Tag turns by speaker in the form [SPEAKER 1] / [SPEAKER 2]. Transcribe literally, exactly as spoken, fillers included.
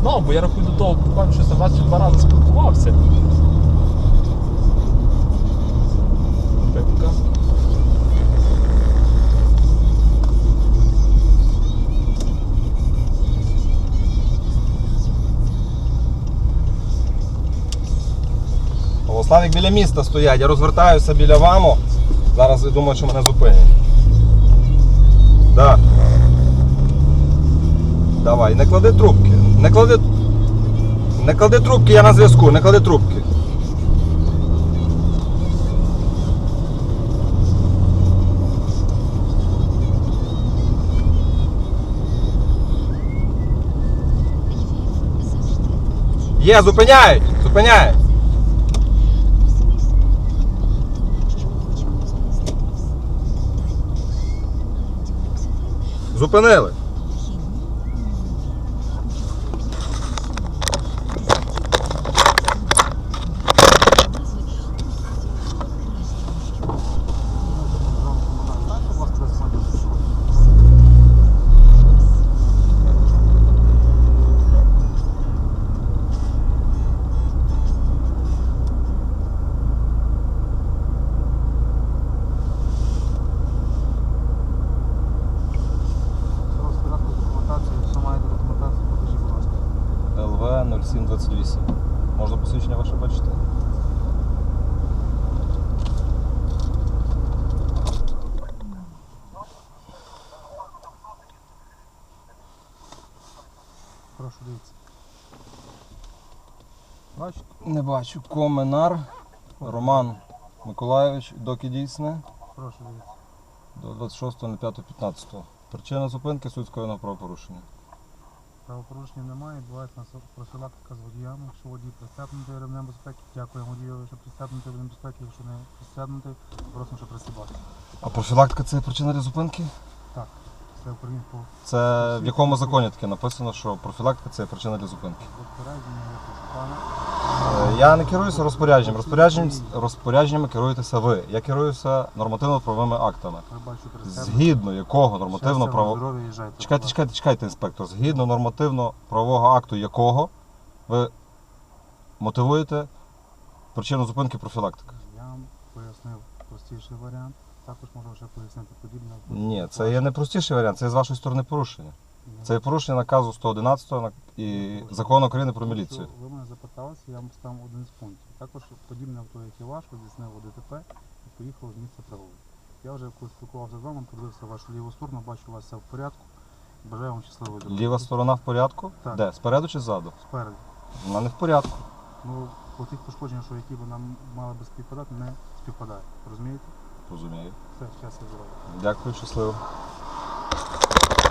[SPEAKER 1] знав, бо я рахую до того, буквально щось там раз чи два рази спілкувався. Пепка.
[SPEAKER 2] Славік біля міста стоять, я розвертаюся біля ВАМу. Зараз я думаю, що мене зупинять. Да. Давай, не клади трубки. Не клади. Не клади трубки, я на зв'язку, не клади трубки. Є, зупиняють! Зупиняють! Зупинили. нуль сім двадцять вісім. Можна посвідчення ваше бачити?
[SPEAKER 3] Прошу, дивіться. Бачите?
[SPEAKER 2] Не бачу. Коменар Роман Миколайович, доки дійсне.
[SPEAKER 3] Прошу, дивіться.
[SPEAKER 2] До двадцять шостого п'ятого п'ятнадцятого. Причина зупинки суть скоєного правопорушення.
[SPEAKER 3] Правопорушення немає, відбувається профілактика з водіями. Якщо водій пристебнутий ремнем безпеки, дякуємо водієві, що пристебнутий ремнем безпеки, якщо не пристебнутий, просимо, що пристебати.
[SPEAKER 2] А профілактика це причина для зупинки?
[SPEAKER 3] Так, це українського.
[SPEAKER 2] Це в якому законі таке написано, що профілактика це причина для зупинки?
[SPEAKER 3] Розпорядження якось пана.
[SPEAKER 2] Е, Я не керуюся розпорядженням. Розпорядженням, розпорядженнями керуєтеся ви. Я керуюся нормативно-правовими актами.
[SPEAKER 3] Ви бачите, пристебнутий.
[SPEAKER 2] Згідно якого нормативно право...
[SPEAKER 3] Здоров'я їжджайте.
[SPEAKER 2] Чекайте, чекайте, чекайте, інспектор. Згідно нормативно-правового акту якого ви мотивуєте причину зупинки профілактика?
[SPEAKER 3] Я вам пояснив простіший варіант. Також можу ще пояснити подібне.
[SPEAKER 2] Ні, це є не простіший варіант, це є з вашої сторони порушення. Це є порушення наказу сто одинадцятого і Закону України про міліцію.
[SPEAKER 3] Ви мене запиталися, я вам поставив один з пунктів. Також подібне авто, як і ваш, здійснило ДТП і поїхало з місця пригоди. Я вже коли спілкувався з вами, подивився вашу ліву сторону, бачу, у вас все в порядку. Бажаю вам щасливої дороги.
[SPEAKER 2] Ліва сторона в порядку?
[SPEAKER 3] Так.
[SPEAKER 2] Де? Спереду чи ззаду?
[SPEAKER 3] Спереду.
[SPEAKER 2] Вона не в порядку.
[SPEAKER 3] Ну, по тих пошкодженнях, що які би нам мали би співпадати, не співпадає. Розумієте?
[SPEAKER 2] Розумію.
[SPEAKER 3] Все, щастя, здоров'я.
[SPEAKER 2] Дякую, щасливо.